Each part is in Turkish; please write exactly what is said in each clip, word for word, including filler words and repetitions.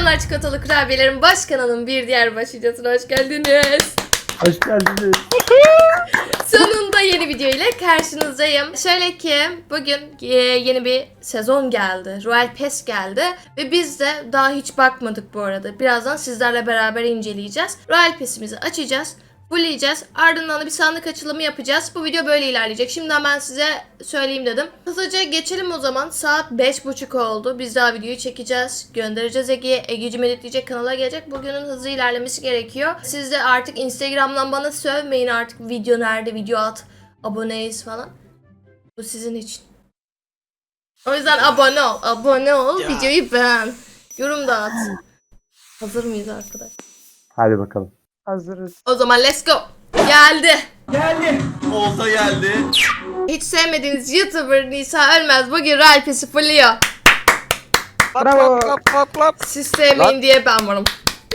Selamlar çikolatalı kurabiyelerin baş kanalının bir diğer baş videosuna hoş geldiniz. Hoş geldiniz. Sonunda yeni video ile karşınızdayım. Şöyle ki bugün e, yeni bir sezon geldi. Royal Pass geldi. Ve biz de daha hiç bakmadık bu arada. Birazdan sizlerle beraber inceleyeceğiz. Royal Pass'imizi açacağız. Fulleyeceğiz. Ardından da bir sandık açılımı yapacağız. Bu video böyle ilerleyecek. Şimdiden ben size söyleyeyim dedim. Hızlıca geçelim o zaman. Saat beş buçuk oldu. Biz daha videoyu çekeceğiz. Göndereceğiz Ege'ye. Ege'cim editleyecek, kanala gelecek. Bugünün hızlı ilerlemesi gerekiyor. Siz de artık Instagram'dan bana sövmeyin artık. Video nerede? Video at. Aboneyiz falan. Bu sizin için. O yüzden abone ol. Abone ol. Ya. Videoyu beğen. Yorum da at. Hazır mıyız arkadaş? Hadi bakalım. Hazırız. O zaman let's go. Geldi. Olta geldi. Hiç sevmediğiniz YouTuber Nisa Ölmez bugün Royal Pass'i fulluyor. Bravo. Lap lap lap lap. Siz sevmeyin Lan. diye ben varım.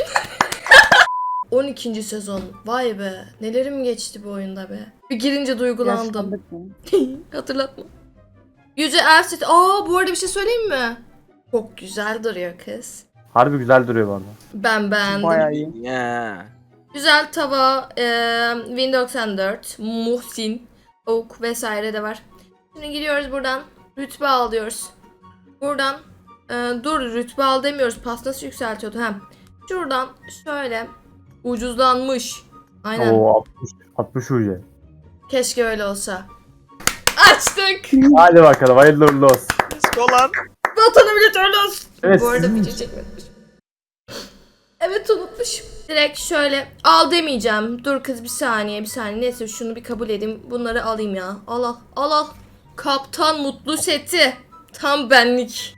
on ikinci sezon. Vay be. Nelerim geçti bu oyunda be. Bir girince duygulandım. Yaşlandık mı? Hatırlatma. Yüce Elsit. Aa bu arada bir şey söyleyeyim mi? Çok güzel duruyor kız. Harbi güzel duruyor bu arada. Ben beğendim. Bayağı iyi. Ya. Güzel tava, e, Win doksan dört, Muhsin, Oak vesaire de var. Şimdi gidiyoruz buradan. Rütbe alıyoruz. Buradan e, dur rütbe al demiyoruz. Pas nasıl yükseltiyordu hem. Şuradan şöyle ucuzlanmış. Aynen. Oo altmış, altmış ucu. Keşke öyle olsa. Açtık. Hadi bakalım hayırlı uğurlu olsun. Let's go lan. Vatanı bile törlü olsun. Evet, Bu arada sizin video çekmemiş. Evet unutmuşum. Direkt şöyle al demeyeceğim. Dur kız bir saniye bir saniye. Neyse şunu bir kabul edeyim. Bunları alayım ya. Al al al al. Kaptan Mutlu seti. Tam benlik.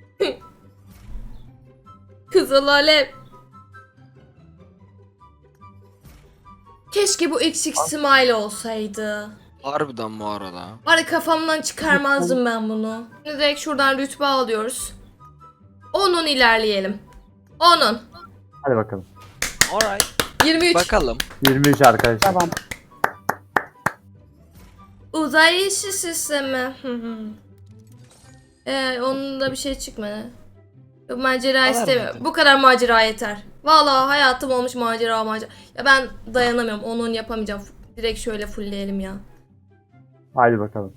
Kızıl alev. Keşke bu X X Smile olsaydı. Harbiden bu arada. Var ya kafamdan çıkarmazdım ben bunu. Şimdi direkt şuradan rütbe alıyoruz. onun ilerleyelim. onun. Hadi bakalım. Alright. yirmi üç. Bakalım. yirmi üç arkadaşlar. Tamam. Uzay işi sistemi. Ee, onun da bir şey çıkmadı. Yok, macera Haber istemiyorum. verdim. Bu kadar macera yeter. Vallahi hayatım olmuş macera macera. Ya ben dayanamıyorum. Onun yapamayacağım. Direkt şöyle fullleyelim ya. Hadi bakalım.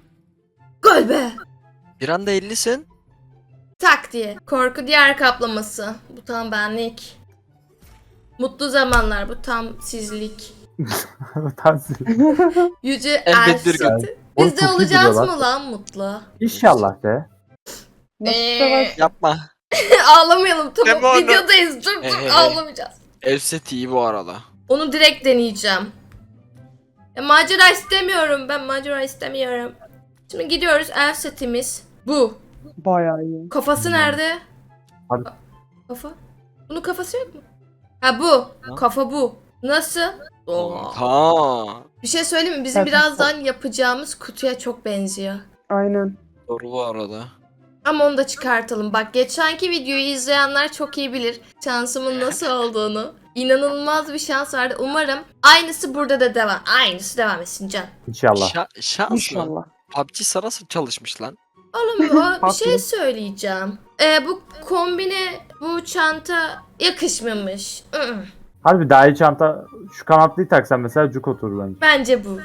Gol be. Bir anda ellisin. Tak diye. Korku diğer kaplaması. Bu tam benlik. Mutlu zamanlar. Bu tam sizlik. Tansi. Yüce Elbet bir Elsit. gün. Biz de Oğlum çok iyi olacağız duruyor mı lan mutlu? İnşallah de. Nasıl Ee, savaş? Yapma. Ağlamayalım tamam. Deme onu. Videodayız. Dur dur Ee. ağlamayacağız. Elset iyi bu arada. Onu direkt deneyeceğim. Ya, macera istemiyorum. Ben macera istemiyorum. Şimdi gidiyoruz. El setimiz bu. Bayağı iyi. Kafası nerede? Hadi. Kafa? Bunun kafası yok mu? Ha bu. Ha? Kafa bu. Nasıl? Oo. Ha. Bir şey söyleyeyim mi? Bizim Evet. birazdan yapacağımız kutuya çok benziyor. Aynen. Doğru bu arada. Ama onu da çıkartalım. Bak geçenki videoyu izleyenler çok iyi bilir şansımın nasıl olduğunu. İnanılmaz bir şans vardı. Umarım aynısı burada da devam. Aynısı devam etsin can. İnşallah. Şa- şans mı? İnşallah. P U B G sarası çalışmış lan. Oğlum o bir Haklı. şey söyleyeceğim. Ee, bu kombine, bu çanta yakışmamış. Iı. Harbi daha iyi çanta. Şu kanatlıyı taksan mesela cuk oturur bence. Bence bu.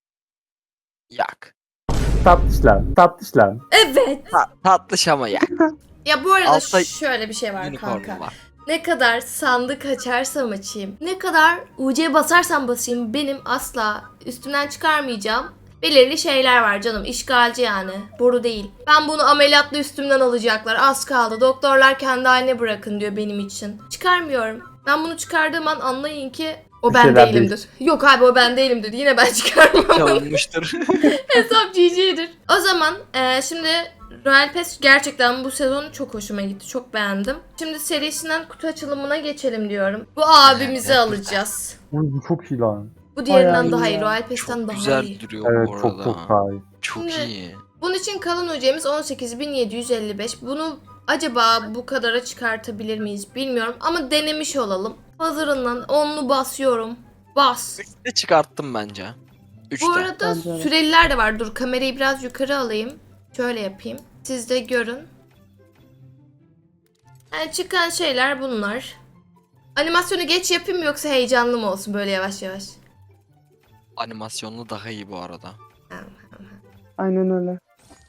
Yak. Tatlış lan. Tatlış lan. Evet. Ta- tatlış ama yak. Ya bu arada Altta şöyle bir şey var kanka. Unicorn var. Ne kadar sandık açarsam açayım, ne kadar U C basarsam basayım benim asla üstümden çıkarmayacağım belirli şeyler var canım. İşgalci yani. Boru değil. Ben bunu ameliyatla üstümden alacaklar. Az kaldı. Doktorlar kendi haline bırakın diyor benim için. Çıkarmıyorum. Ben bunu çıkardığım an anlayın ki o Bir ben şeyler değilimdir. Yok abi o ben değilimdir. Yine ben çıkarmam. Çalınmıştır. Hesap G G'dir. O zaman e, şimdi Royal Pass gerçekten bu sezon çok hoşuma gitti. Çok beğendim. Şimdi serisinden kutu açılımına geçelim diyorum. Bu abimizi alacağız. Oy, bu çok iyi lan. Bu diğerinden Bayağı daha iyi iyi. ya. Royal Pass'ten Çok daha güzel iyi. duruyor Evet bu arada. çok çok daha iyi. Çok Şimdi- iyi. Bunun için kalan hocamız on sekiz bin yedi yüz elli beş. Bunu acaba bu kadara çıkartabilir miyiz bilmiyorum. Ama denemiş olalım. Hazırından onlu basıyorum. Bas. Üçte çıkarttım bence. Üçte. Bu arada Bence de. süreliler de var. Dur kamerayı biraz yukarı alayım. Şöyle yapayım. Siz de görün. Yani çıkan şeyler bunlar. Animasyonu geç yapayım mı yoksa heyecanlı mı olsun böyle yavaş yavaş? Animasyonlu daha iyi bu arada. Aynen öyle.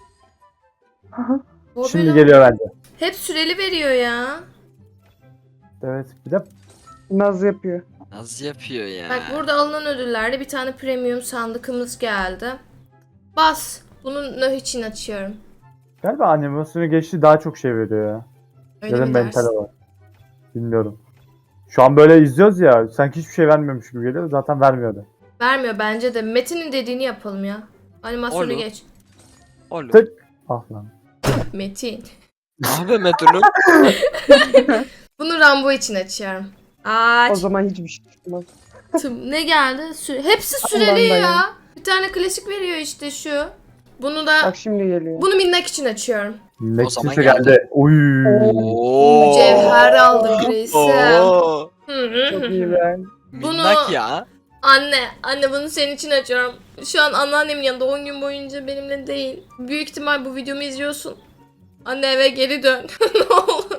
Bu Şimdi böyle- geliyor bence. Hep süreli veriyor ya. Evet. Bir de Naz yapıyor. Nasıl yapıyor ya? Bak burada alınan ödüllerde bir tane premium sandıkımız geldi. Bas. Bunu ne için açıyorum? galiba animasyonu geçti daha çok şey veriyor ya. Öyle Ya da mi mentale dersin? var. Bilmiyorum. Şu an böyle izliyoruz ya. Sanki hiçbir şey vermiyormuş gibi geliyor. Zaten vermiyordu. Vermiyor bence de. Metin'in dediğini yapalım ya. Animasyonu Olur. geç. Oğlum. Tık. Ah lan. Metin. Abi Metin'im. Bunu Rambo için açıyorum. Aç. O zaman hiçbir şey çıkmaz. Tım- Ne geldi? Sü- Hepsi Allah'ım süreli dayan. ya. Bir tane klasik veriyor işte şu. Bunu da Bak şimdi geliyor. bunu minnak için açıyorum. zaman Nexus'e geldi. geldi. Uy. Oo. Mücevher aldık reisim. Oo. Hı hı Çok hı. iyi ben. Minnak ya. Anne, anne bunu senin için açıyorum. Şu an anneannemin yanında on gün boyunca benimle değil. Büyük ihtimal bu videomu izliyorsun. Anne eve geri dön. Ne olur.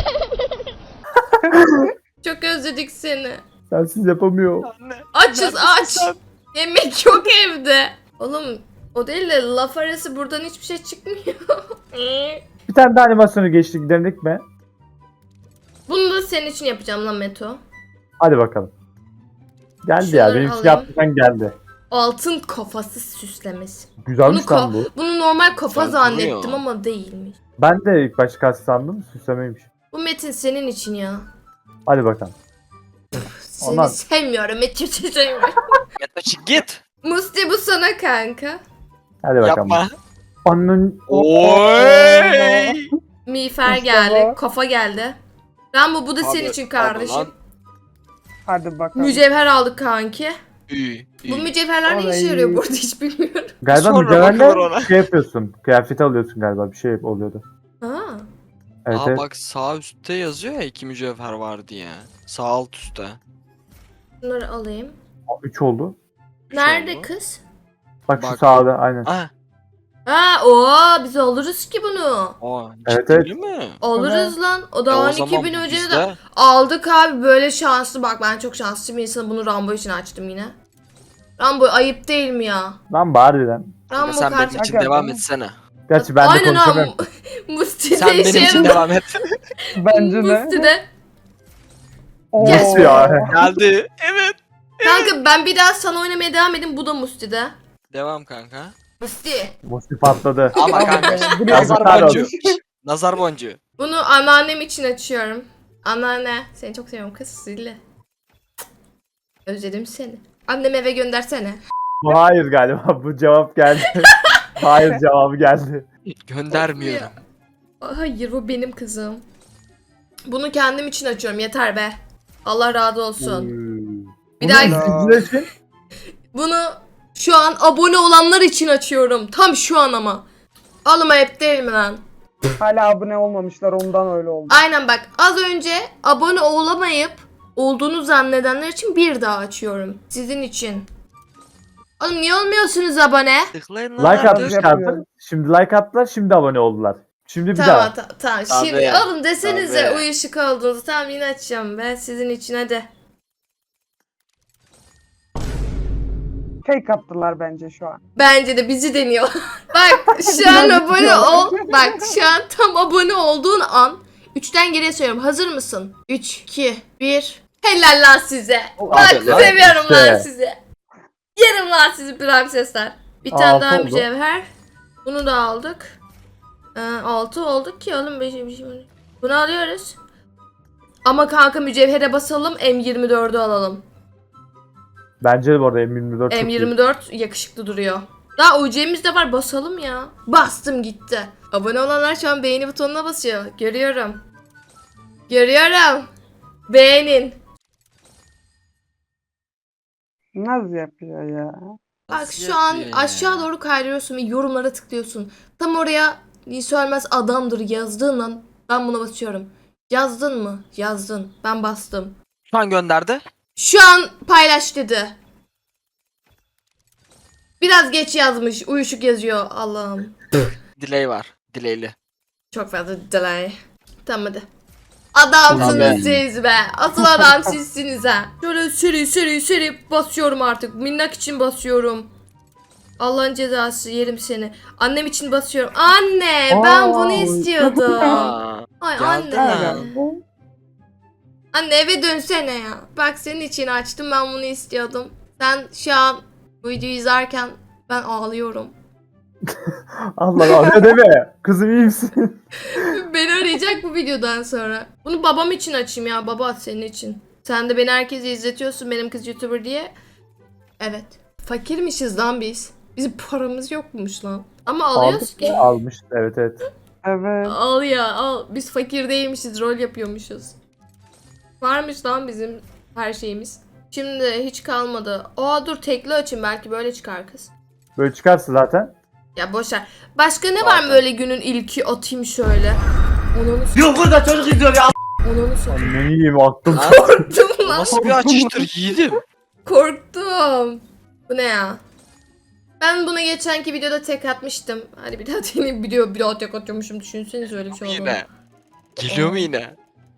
Çok özledik seni. Sensiz yapamıyor. Anne. Açız Neredesin aç. sen? Yemek yok evde. Oğlum o değil de laf arası buradan hiçbir şey çıkmıyor. Bir tane daha animasyonu geçti giderdik mi? Bunu da senin için yapacağım lan Meto. Hadi bakalım. Geldi Şunları ya. Benim için alayım. yaptıktan geldi. Altın kafası süslemesi. Güzelmiş Bunu, lan bu. ko- bunu normal kafa Güzel zannettim duruyor. ama değilmiş. Ben de ilk başta kas sandım. Süslemeymiş. Bu Metin senin için ya. Hadi bakalım. Seni Ondan- sevmiyorum Metin sevmiyorum. Metin çık git. Musti bu sana kanka. Hadi bakalım. Yapma. Onun Oy. Miğfer İşte geldi. bu. Kafa geldi. Rambo bu da senin Abi, için abi kardeşim. lan. Hadi bakalım. Mücevher aldık kanki. İyi, iyi. Bu mücevherler ne işe Ay. yarıyor burada hiç bilmiyorum. galiba Sonra bakılır mücevherle ona. şey yapıyorsun. Kıyafet alıyorsun galiba. Bir şey oluyordu. Ha. Evet, Aa evet. bak sağ üstte yazıyor ya iki mücevher var diye. Sağ alt üstte. Bunları alayım. üç oldu. Üç Nerede oldu. kız? Bak, şu Bak. sağda aynen. Ah. Ha o biz alırız ki bunu. Aa, Evet, ciddi evet. mi? Alırız lan. O E, da o on iki zaman bin bu önce de bizde. aldık abi böyle şanslı. Bak ben çok şanslı bir insanım. Bunu Rambo için açtım yine. Rambo ayıp değil mi ya? Lan harbiden. Rambo Sen benim kardeşim. için Hakikaten. devam etsene. Gerçi ben de Aynen ha. konuşamıyorum. Musti Sen de benim işe için yaradı. devam et. Bence de. Musti de. Oo. Nasıl ya? Geldi. Evet. Kanka ben bir daha sana oynamaya devam edeyim. Bu da Musti'de. Devam kanka. Musti. Musti patladı. Ama Ama kanka. be, bu ne Nazar yazıklar boncuğu. olsun. Nazar boncuğu. Bunu anneannem için açıyorum. Anneanne. Seni çok seviyorum kız. Zilli. Özledim seni. Annemi eve göndersene. Bu hayır galiba. Bu cevap geldi. Hayır cevabı geldi. Göndermiyorum. Hayır bu benim kızım. Bunu kendim için açıyorum. Yeter be. Allah razı olsun. Hmm. Bir Bunu daha izleyiciler için bunu şu an abone olanlar için açıyorum. Tam şu an ama. Alma hep değil mi lan? Hala abone olmamışlar ondan öyle oldu. Aynen bak az önce abone olamayıp olduğunu zannedenler için bir daha açıyorum. Sizin için. Oğlum niye olmuyorsunuz abone? Tıklayın like lan. atmış. atmışlardı. Şimdi like attılar. Şimdi abone oldular. Şimdi bir Tamam daha. ta- tamam. Tabii. Şimdi oğlum desenize Tabii. uyuşuk olduğunuzu. Tamam yine açacağım ben sizin için hadi. Fake attılar bence şu an. Bence de bizi deniyor. Bak şu an abone ol. Bak şu an tam abone olduğun an. Üçten geriye söylüyorum. Hazır mısın? Üç, iki, bir. Helal lan size. Bak Aferin lan. seviyorum lan İşte. sizi. Yerim lan sizi prensesler. Bir tane Altı daha oldu. mücevher. Bunu da aldık. Ee, altı olduk ki oğlum. Beş, beş, beş. Bunu alıyoruz. Ama kanka mücevhere basalım. M yirmi dördü alalım. Bence de bu arada M yirmi dört çok M iyi. yirmi dört yakışıklı duruyor. Daha U C'miz de var basalım ya. Bastım gitti. Abone olanlar şu an beğeni butonuna basıyor. Görüyorum. Görüyorum. Beğenin. Naz yapıyor ya. Bak Nasıl şu an yapıyor ya? aşağı doğru kaydırıyorsun ve yorumlara tıklıyorsun. Tam oraya Nisa Ölmez adamdır yazdığın an ben buna basıyorum. Yazdın mı? Yazdın. Ben bastım. Şu an gönderdi. Şu an paylaş dedi. Biraz geç yazmış. Uyuşuk yazıyor. Allah'ım. Delay var. Delayli. Çok fazla delay. Tamam hadi. Adamsınız Tabii. siz be. Asıl adam sizsiniz ha. Şöyle seri seri seri basıyorum artık. Minnak için basıyorum. Allah'ın cezası yerim seni. Annem için basıyorum. Anne ben Aa, bunu istiyordum. Aa, Ay geldi anne. ha. Anne eve dönsene ya. Bak senin için açtım, ben bunu istiyordum. Sen şu an bu videoyu izlerken ben ağlıyorum. Allah Allah deme. Kızım iyi misin? Beni arayacak bu videodan sonra. Bunu babam için açayım ya. Baba senin için. Sen de beni herkese izletiyorsun benim kız YouTuber diye. Evet. Fakirmişiz lan biz. Bizim paramız yokmuş lan. Ama alıyoruz Aldık ki. ya, almış. Evet evet. Evet. Al ya al. Biz fakir değilmişiz. Rol yapıyormuşuz. Varmış lan bizim her şeyimiz. Şimdi hiç kalmadı. Aa dur tekli açayım. Belki böyle çıkar kız. Böyle çıkarsa zaten. Ya boşver. Başka ne var mı böyle günün ilki atayım şöyle. Onu Yok burada çocuk izliyor ya. Onu satayım. Ne yiyeyim aklım. Lan, Korktum bu lan. nasıl bir açıştır yiğidim? Korktum. Bu ne ya? Ben buna geçenki videoda tek atmıştım. Hadi bir daha deneyim, video bir daha tek atıyormuşum. Düşünsenize öyle bir şey oldu. Yine. Geliyor mu yine?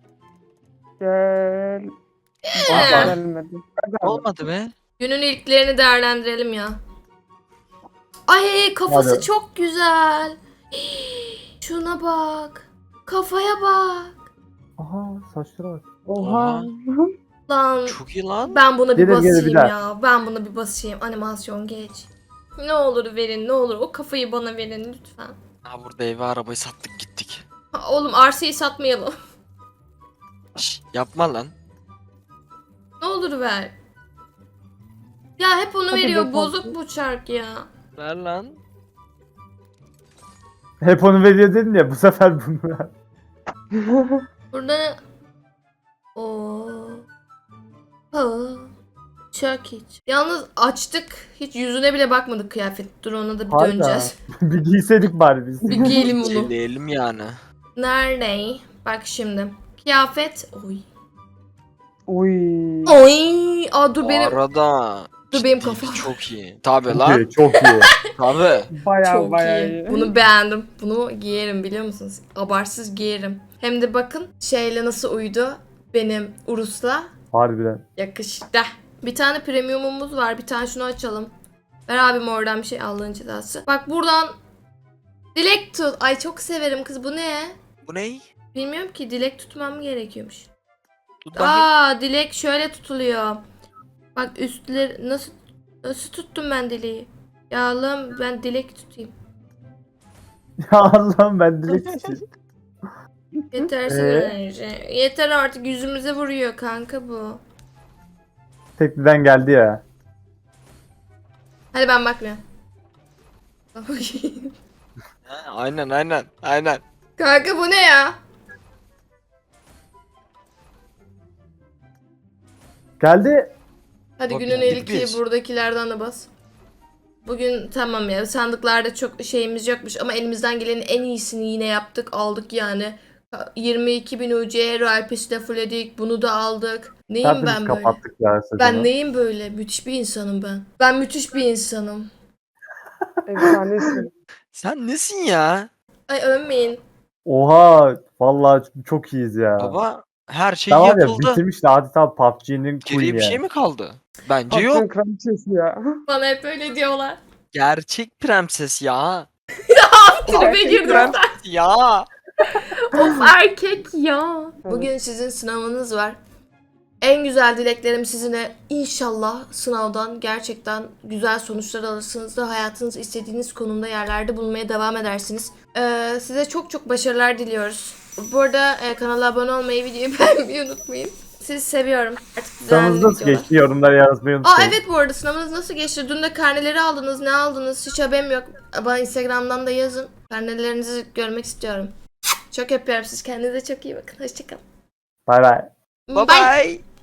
Gel. Ee, Gelmedi. Olmadı be. Günün ilklerini değerlendirelim ya. Ay kafası Hadi. çok güzel. Hii, şuna bak. Kafaya bak. Aha saçlara bak. Oha. Lan Çok iyi lan. ben buna bir Gelir, gelir, basayım bir daha. ya. Ben buna bir basayım. Animasyon geç. Ne olur verin, ne olur. O kafayı bana verin lütfen. Ha burada evi arabayı sattık gittik. Ha, oğlum arsayı satmayalım. Şş, yapma lan. Ne olur ver. Ya hep onu Hadi veriyor. be, Bozuk tatlı. bu çark ya. Ver lan. Hep onu veriyor dedin ya bu sefer bunu ver. Burada ne? Oo. Ha. Çok hiç. Yalnız açtık. Hiç yüzüne bile bakmadık kıyafet. Dur ona da bir Hayda. döneceğiz. Bir giyseydik bari biz. Bir giyelim bunu. Söyleyelim yani. Nerede? Bak şimdi. Kıyafet. Oy. Uy. Oy. Aa dur Bu benim. arada. Dur benim ciddi kafam. Çok iyi. Tabi Çok lan. iyi, çok iyi. Tabi. Baya Çok baya iyi. iyi. Bunu beğendim. Bunu giyerim biliyor musunuz? Abarsız giyerim. Hem de bakın şeyle nasıl uydu benim Urus'la. Harbiden. Yakıştı. Bir tane premiumumuz var. Bir tane şunu açalım. Ver abim oradan bir şey, Allah'ın cezası. Bak buradan dilek tut. Ay çok severim kız. Bu ne? Bu ne? Bilmiyorum ki, dilek tutmam gerekiyormuş. Tut bakayım. Aa dilek şöyle tutuluyor. Bak üstleri nasıl nasıl tuttum ben dileği? Ya Allah'ım ben dilek tutayım. Ya Allah'ım ben dilek için. Yetersiz Ee? enerji. Yeter artık, yüzümüze vuruyor kanka bu. Tekliden geldi ya. Hadi ben bakmıyorum. Ha, aynen aynen aynen. Kanka bu ne ya? Geldi. Hadi Bak, günün geldik ilki biz. buradakilerden de bas. Bugün tamam ya, sandıklarda çok şeyimiz yokmuş ama elimizden gelenin en iyisini yine yaptık, aldık yani. yirmi iki bin U C Royal Pass'i de fullledik, bunu da aldık. Neyim Tertemiz ben böyle? kapattık ya sezonu. Ben neyim böyle? Müthiş bir insanım ben. Ben müthiş bir insanım. Efsanesin. Sen nesin ya? Ay övmeyin. Oha. Vallahi çok iyiyiz ya. Baba her şey Ben var ya yapıldı. bitirmiş de adeta P U B G'nin Geriye queen'i bir şey yani. mi kaldı? Bence yok. Patron kraliçesi ya. Bana hep öyle diyorlar. Gerçek prenses ya. Tribe girdim. Prenses ya. Of erkek ya. Bugün sizin sınavınız var. En güzel dileklerim sizinle, inşallah sınavdan gerçekten güzel sonuçlar alırsınız da hayatınız istediğiniz konumda yerlerde bulunmaya devam edersiniz. Ee, size çok çok başarılar diliyoruz. Bu arada e, kanala abone olmayı, videoyu beğenmeyi unutmayın. Sizi seviyorum. Artık düzenli Sınavınız nasıl videolar. geçti? Yorumlara yazmayı Aa unutmayın. evet, bu arada sınavınız nasıl geçti? Dün de karneleri aldınız. Ne aldınız? Hiç haberim yok. Bana Instagram'dan da yazın. Karnelerinizi görmek istiyorum. Çok öpüyorum siz. Kendinize çok iyi bakın. Hoşçakalın. Bay bay. Bye bye.